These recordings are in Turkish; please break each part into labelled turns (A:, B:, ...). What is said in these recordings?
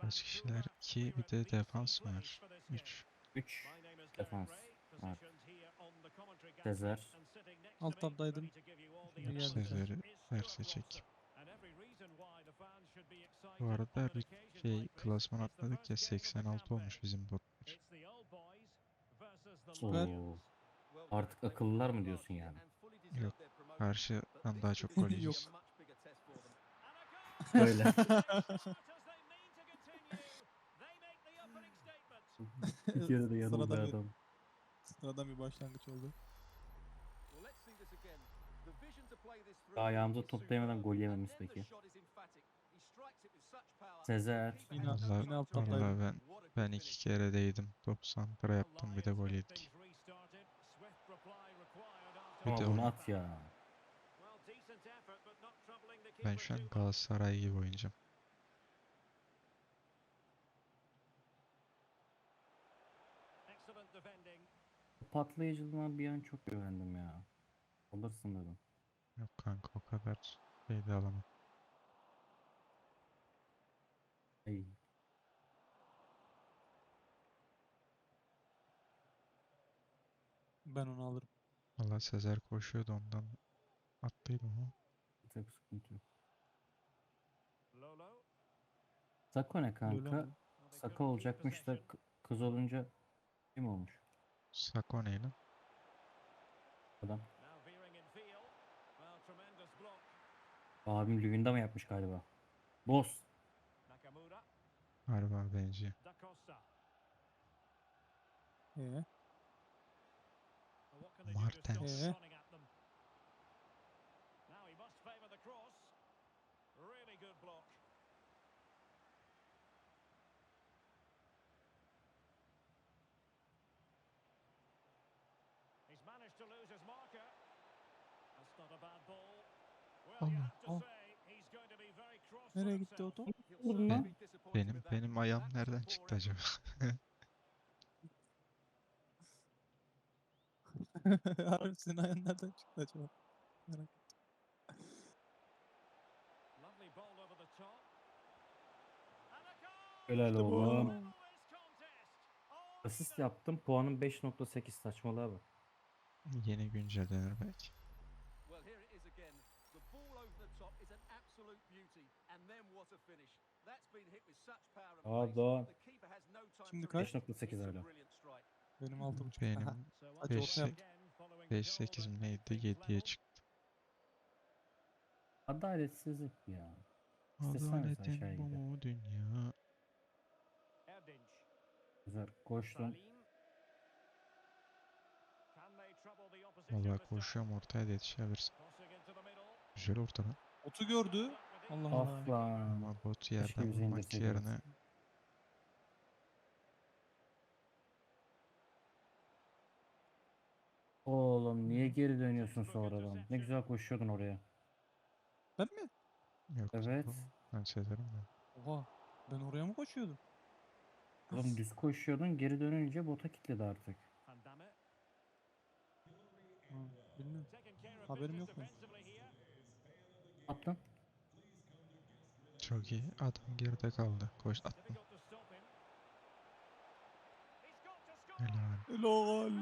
A: Kaç kişiler? 2 bir de defans var. 3.
B: 3 defans var. Sezer.
C: Alt tabdaydım. Şimdi geldi şu an.
A: Sezer'i derse çek. Bu arada bir şey klasman atladık ya 86 olmuş bizim botlar.
C: Süper.
B: Oo. Artık akıllılar mı diyorsun yani?
A: Yok. Karşıdan daha çok gol
C: Yok.
A: yiyeceğiz.
B: Böyle. Bir kere de yanıldı
C: Sıradan bir,
B: adam.
C: sıradan bir başlangıç oldu.
B: Ayağımıza toplayamadan gol yememiz peki. Sezer.
C: Yine alt tabdaydım.
A: Vallahi ben 2 kere değdim. 90 yaptım bir de gol yedik. Bir de
B: Ama bunu
A: onu
B: at ya.
A: ben şu an Galatasaray gibi oynayacağım.
B: Patlayıcılığına bir an çok güvendim ya. Alırsın dedim.
A: Yok kanka o kadar şey de alamam.
B: Ey.
C: Ben onu alırım.
A: Valla Sezer koşuyordu ondan attıydım ama.
B: Çok sıkıntı yok. Sako ne
C: Lola
B: kanka?
C: mı?
B: Saka olacakmış da kız olunca kim olmuş
A: Sako ne lan?
B: adam? Abim Lübün'de mi yapmış galiba? Boss.
A: Harbi benziyor.
C: Ee,
A: Martens.
C: ee.
A: Allah.
C: Oh. Nereye gitti o top?
B: Vurma.
A: Benim ayağım nereden çıktı acaba?
C: Harbi senin ayağın nereden çıktı acaba? Merak ettim.
B: Helal
C: İşte bu.
B: oğlum. Asist yaptım. Puanım 5.8 saçmalığa bak.
A: Yeni güncellenir belki.
B: Aa Doğan.
C: Şimdi kaç?
B: 5.8 hala.
C: Benim 6.5.
A: Benim
C: Hadi orta yap.
A: 5-8 mi neydi? 7'ye çıktı.
B: Adaletsizlik ya. İsteseniz aşağıya
A: Adaletin bu
B: gidelim.
A: mu dünya?
B: Güzel. Koştum.
A: Valla koşuyorum ortaya da yetişebilirsin. Güzel ortadan.
C: Otu gördü. Allah Allah.
B: Af lan.
A: Ama bot
B: Keşke
A: yerden
B: bize
A: vurmak
B: indirseydiniz.
A: yerine
B: Oğlum niye geri dönüyorsun sonradan? Ne güzel koşuyordun oraya.
C: Ben mi?
A: yok.
B: Evet.
A: Ben Sezer'im de.
C: Oha. Ben oraya mı koşuyordum?
B: Oğlum düz koşuyordun geri dönünce bota kilitledi artık.
C: Ha, bilmiyorum. Haberim yok benim.
B: Attın.
A: Çok iyi. Adam geride kaldı. Koş attım. Helal.
C: Helal.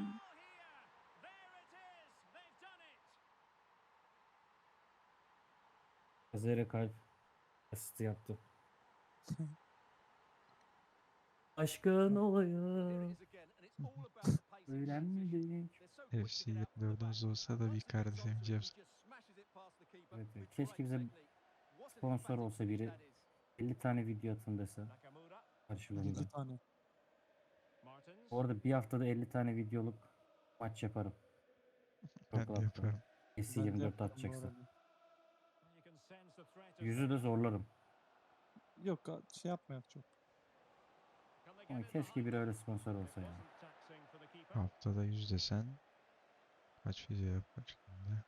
B: Zere kalp asisti yaptı. Aşkın olayım. Öğrenmedik.
A: FC 24'ümüz olsa da bir kardeşim James.
B: Evet, evet. Keşke bize sponsor olsa biri 50 tane video atın dese
C: 7
B: karşılığında.
C: tane.
B: Bu arada bir haftada 50 tane videoluk maç yaparım. Çok
A: Ben de
B: rahatla.
A: yaparım.
C: Ben de
B: S24
C: yaparım bu
B: atacaksa.
C: arada.
B: Yüzü de zorlarım.
C: Yok şey yapmayak çok.
B: Ama keşke biri öyle sponsor olsa ya.
A: Haftada 100 desen kaç video yapar şimdi?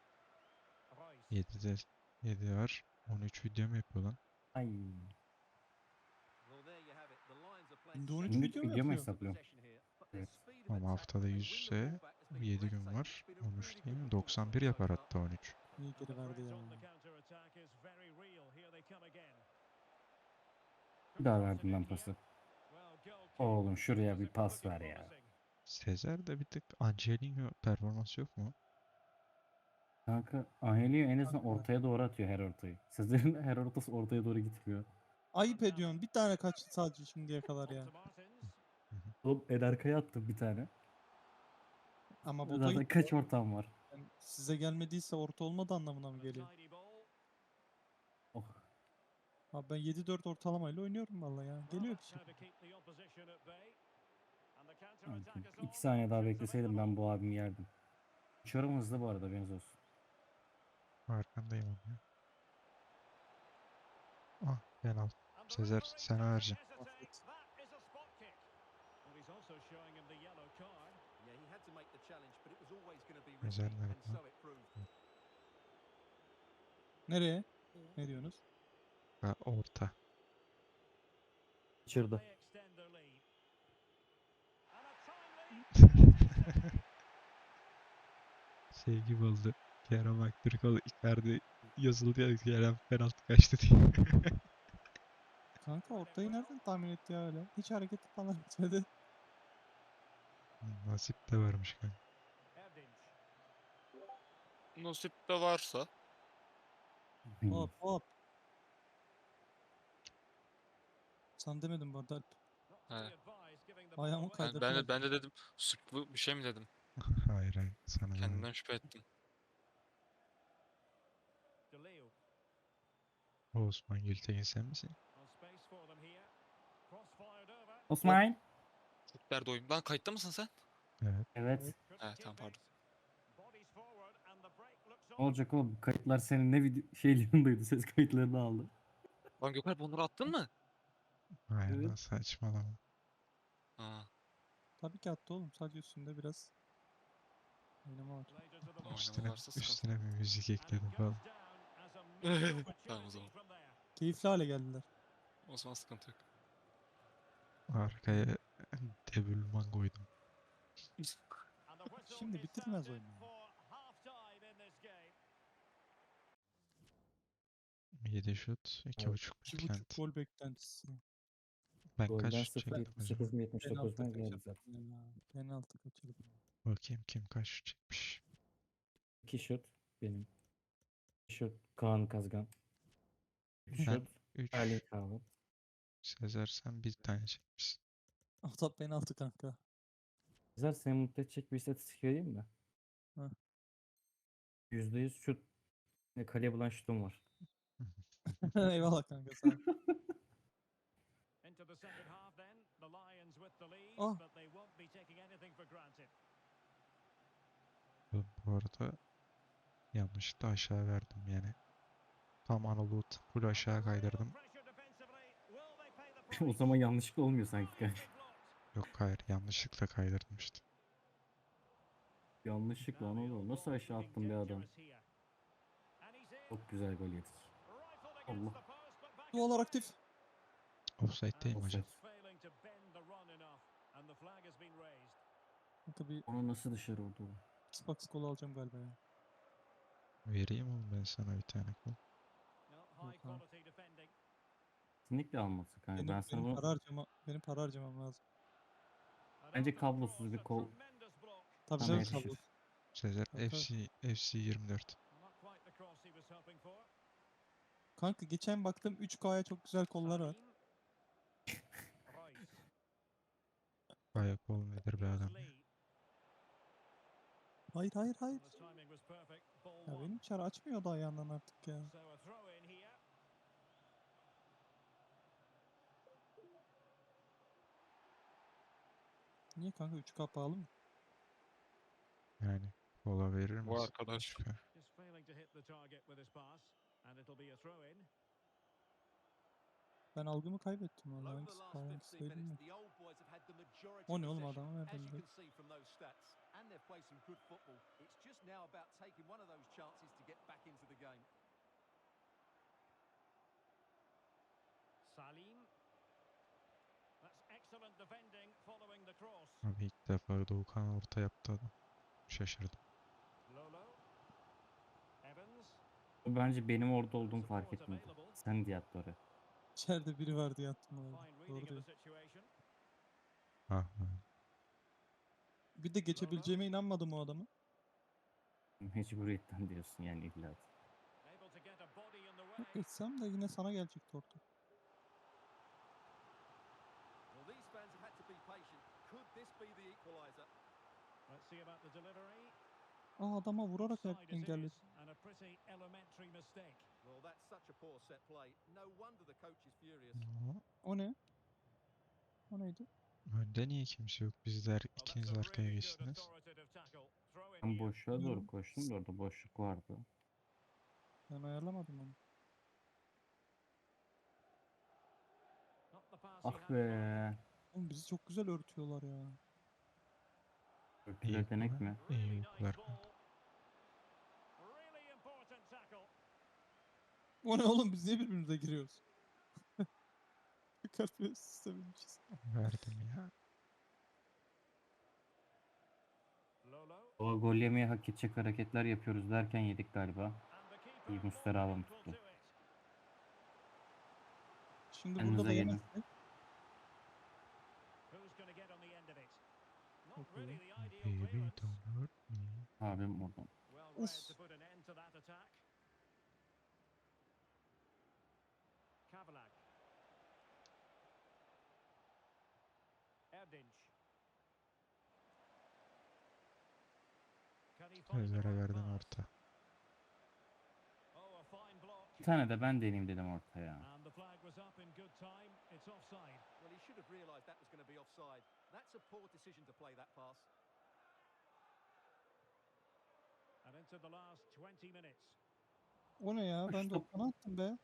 A: 7'de 7 var. 13 video mu yapıyor lan?
B: Ay.
C: Günde 13
B: Günlük
C: video mu
B: video mu
C: yapıyor?
B: hesaplıyorum? Evet.
A: Ama haftada 100 ise 7 gün var. 13 değil mi? 91 yapar hatta 13.
C: İyi geri verdi ya.
B: Bir daha verdim ben pası. Oğlum şuraya bir pas ver ya.
A: Sezer'de bir tık Angelino performansı yok mu?
B: Kanka Angelio en azından
C: Kanka,
B: ortaya doğru atıyor her ortayı. Sezer'in her ortası ortaya doğru gitmiyor.
C: ayıp ediyorsun. Bir tane kaçtı sadece şimdiye kadar ya.
A: Hı hı.
B: Oğlum El Arkaya attım bir tane.
C: Ama bota
B: Zaten
C: gitti.
B: kaç ortam var.
C: Yani size gelmediyse orta olmadı anlamına mı geliyor?
B: Oh.
C: Abi ben 7-4 ortalamayla oynuyorum vallahi ya. Geliyor bir şey.
B: Kanka, 2 saniye daha bekleseydim ben bu abimi yerdim. Uçuyorum hızlı bu arada haberiniz olsun.
A: Arkandayım abi. Ah penaltı. Sezer sana vereceğim.
C: Affet.
A: Sezer nerede lan?
C: Nereye? Ne diyorsunuz?
A: Ha, orta.
B: Kaçırdı.
A: Şey gibi oldu. Kerem Aktürkoğlu Icardi yazıldı ya Kerem penaltı kaçtı diye.
C: Kanka ortayı nereden tahmin etti ya öyle? Hiç hareketi falan etmedi.
A: Nasip de varmış kanka.
D: Nasip de varsa.
C: Hop hop. Sen demedin bu arada Alp.
D: He.
C: Ayağımı
D: Ben, ben
C: kaydırdılar.
D: de ben de dedim sıklı bir şey mi dedim.
A: Hayır hayır sana demedim.
D: Kendimden şüphe ettim.
A: Osman Gültekin sen misin?
B: Osman.
D: Türkler doyum. Lan kayıtta mısın sen?
A: Evet.
B: Evet.
D: He tamam pardon.
B: Ne olacak oğlum? Kayıtlar senin ne video şeylerindeydi. Ses kayıtlarını aldı.
D: Lan Gökalp onları attın mı?
A: Hayır
B: Evet.
A: lan saçmalama.
D: Ha,
C: Tabii ki attı oğlum. Sadece üstünde biraz oynama var.
D: oynama varsa sıkıntı.
A: Üstüne bir müzik ekledim falan.
D: Tamam o zaman.
C: Keyifli hale geldiler.
D: O zaman sıkıntı yok.
A: Arkaya debülman koydum.
C: Şimdi bitirmez oyunu. Ya.
A: 7 şut,
B: Evet.
A: 2.5
C: 2,5
A: beklenti.
C: gol beklentisi.
A: Ben
B: Golden
A: kaç çektim acaba?
B: 0.78 mi 79
C: Penaltı
B: mu geldi
C: kaçırdım.
B: zaten.
C: Ya. Penaltı kaçırdım.
A: Bakayım kim kaç şut çekmiş.
B: 2 şut benim. 2 şut Kaan Kazgan. 3
A: Ben
B: şut
A: 3,
B: Erling Haaland.
A: Sezer sen bir tane çekmişsin.
C: O da penaltı kanka.
B: Güzel seni mutlu edecek bir istatistik vereyim mi?
C: Heh.
B: %100 şut ve kaleye bulan şutum var.
C: Eyvallah kanka sağ ol. Ah
A: Bu arada yanlışlıkla aşağı verdim yani. Tam Anadolu full aşağı kaydırdım.
B: O zaman yanlışlıkla olmuyor sanki kanka.
A: Yok hayır yanlışlıkla kaydırdım işte.
B: Yanlışlıkla Anadolu. Nasıl aşağı attım bir adam? Çok güzel gol yedik. Allah.
C: dualar aktif.
A: Offside'deyim hocam.
B: Offside.
C: Kanka bir
B: Onu nasıl dışarı vurdu?
C: Xbox kolu alacağım galiba ya.
A: Vereyim oğlum ben sana bir tane kol.
C: Yok abi.
B: Kesinlikle almasın kanka. Ben sana bunu
C: Benim para harcamam lazım.
B: bence kablosuz bir kol
C: Tabii
B: sana
C: canım
A: Sezer.
C: kablo.
B: yakışır.
A: Sezer
C: Tabii, tabii.
A: FC 24.
C: Kanka geçen baktım 3K'ya çok güzel kollar var.
A: Bayağı kol nedir be adam ya.
C: Hayır hayır hayır. Ya benim çar açmıyor da ayağından artık ya. Niye kanka 3K pahalı mı?
A: Yani kola verir
D: Bu
A: misin?
D: arkadaş.
C: Ben algımı kaybettim valla. Hangisi pahalı hangisi değil mi? O ne oğlum adamı nereden biliyor?
A: Abi ilk defa Doğukan orta yaptı adam. Şaşırdım.
B: O bence benim orada olduğumu fark etmedi. Sen diye attı oraya.
C: İçeride biri var diye attım abi. Doğru diyor.
A: Ah, ah.
C: Bir de geçebileceğime inanmadım o adamı.
B: Mecburiyetten diyorsun yani illa.
C: Yok geçsem de yine sana gelecekti orta. Aa adama vurarak engelledi.
A: No.
C: O ne? O neydi?
A: Önde niye kimse yok? Bizler ikiniz arkaya geçtiniz.
B: Ben boşluğa doğru
C: Bilmiyorum.
B: koştum da orada boşluk vardı.
C: Ben ayarlamadım onu.
B: Ah be.
C: Oğlum bizi çok güzel örtüyorlar ya.
B: Örtüler denek mi?
A: İyi uykular kanka.
C: O ne oğlum biz niye birbirimize giriyoruz? Kalp sisteminmişiz.
A: Verdim ya.
B: O gol yemeye hak edecek hareketler yapıyoruz derken yedik galiba. İyi Muslera alalım tuttu.
C: Şimdi burada
B: Kendinize
C: da
B: gelin.
C: yemezsek. Çok iyi.
A: Baby don't hurt me.
B: Abim oradan.
C: Uf.
A: Sezer'e verdin orta.
B: Bir tane de ben deneyeyim dedim ortaya.
C: O ne ya? Ben de
B: Stop.
C: okana attım be.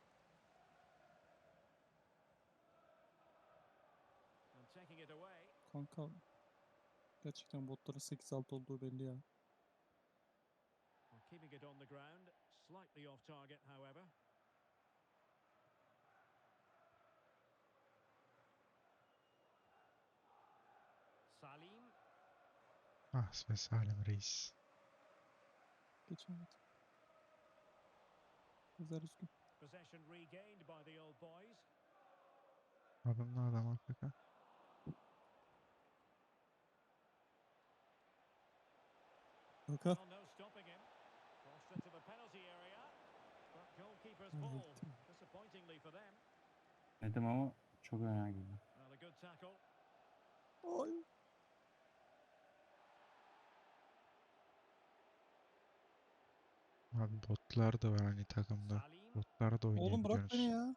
C: Kanka. Gerçekten botların 8-6 olduğu belli ya.
E: Keeping it on the ground, slightly off target, however. Salim,
A: Ah be Salim Reis.
C: Geçemedi. Güzel üzgün.
E: possession regained by the old boys.
A: Adamla adam Afrika.
C: Kanka.
E: Well, no stopping him. Crossed into the penalty area. But goalkeeper's ball,
C: Hallettim.
E: disappointingly for them.
B: Dedim ama çok önemli.
E: Well, a good tackle.
C: Ay.
A: Abi botlar da var hani takımda.
E: Salim,
A: Botlar da
C: Oğlum bırak beni
A: oynayabiliyorsunuz.
C: ya.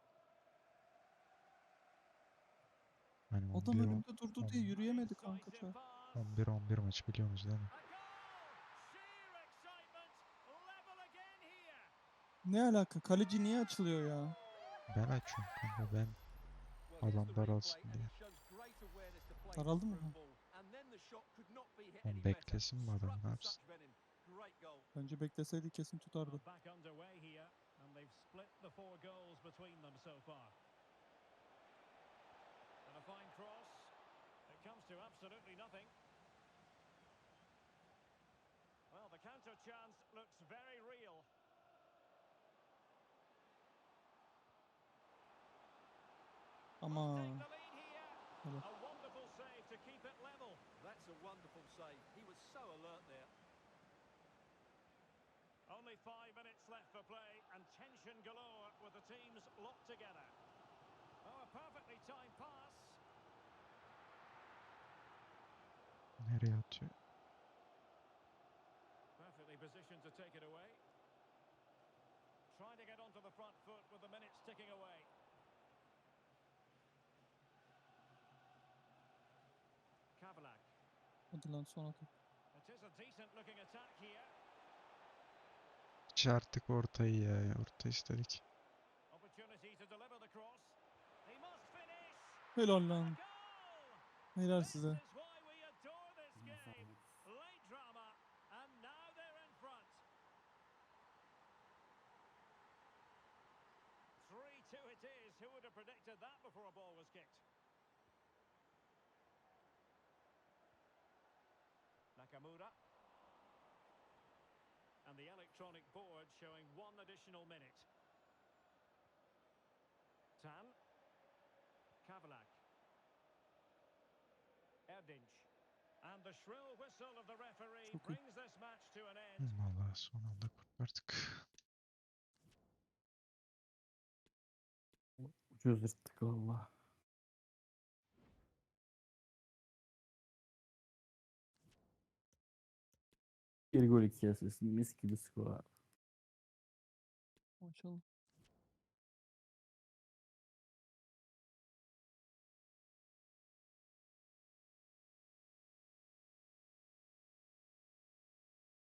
A: Hani
C: Adam
A: 11
C: önümde durdu diye yürüyemedi kanka
E: incisive
C: çar.
E: pass.
A: 11 maç biliyorsunuz değil mi?
E: A goal! Sheer excitement, level again here.
C: Ne alaka? Kaleci niye açılıyor ya?
A: Ben açıyorum kanka ben. Adam daralsın diye.
C: Daraldı mı?
A: Oğlum beklesin mi adam ne yapsın?
C: Bence bekleseydi kesin tutardı.
E: Well, back underway here, and they've split the 4 goals between them so far. And a fine cross. It comes to absolutely nothing. Well, the counter chance looks very real.
C: Ama
E: Take the lead here.
C: Helal.
E: A wonderful save to keep it level.
F: That's a wonderful save. He was so alert there.
E: Only 5 minutes left for play, and tension galore with the teams locked together. Oh, a perfectly timed pass.
A: Nereye atıyor?
E: Perfectly positioned to take it away. Trying to get onto the front foot with the minutes ticking away. Kavalak.
C: hadi lan son atak.
E: It is a decent looking attack here.
A: Hiç artık ortayı ya. Orta istedik.
E: Opportunity to deliver the cross. He must finish.
C: Helal
E: A
C: lan.
E: goal!
C: Helal
E: This
C: size.
E: is why we adore this game. Late drama, and now they're in front. 3-2 it is. Who would have predicted that before a ball was kicked? Nakamura. And the electronic board showing 1 additional minute. Tan. Havlak. Erdinç. And the shrill whistle of the referee
C: Çok iyi.
E: brings this match to an end.
A: Vallahi son anda kurtardık.
B: Ucuz yırttık valla. Bir gol 2 asist. Mis gibi skor.
C: Maşallah.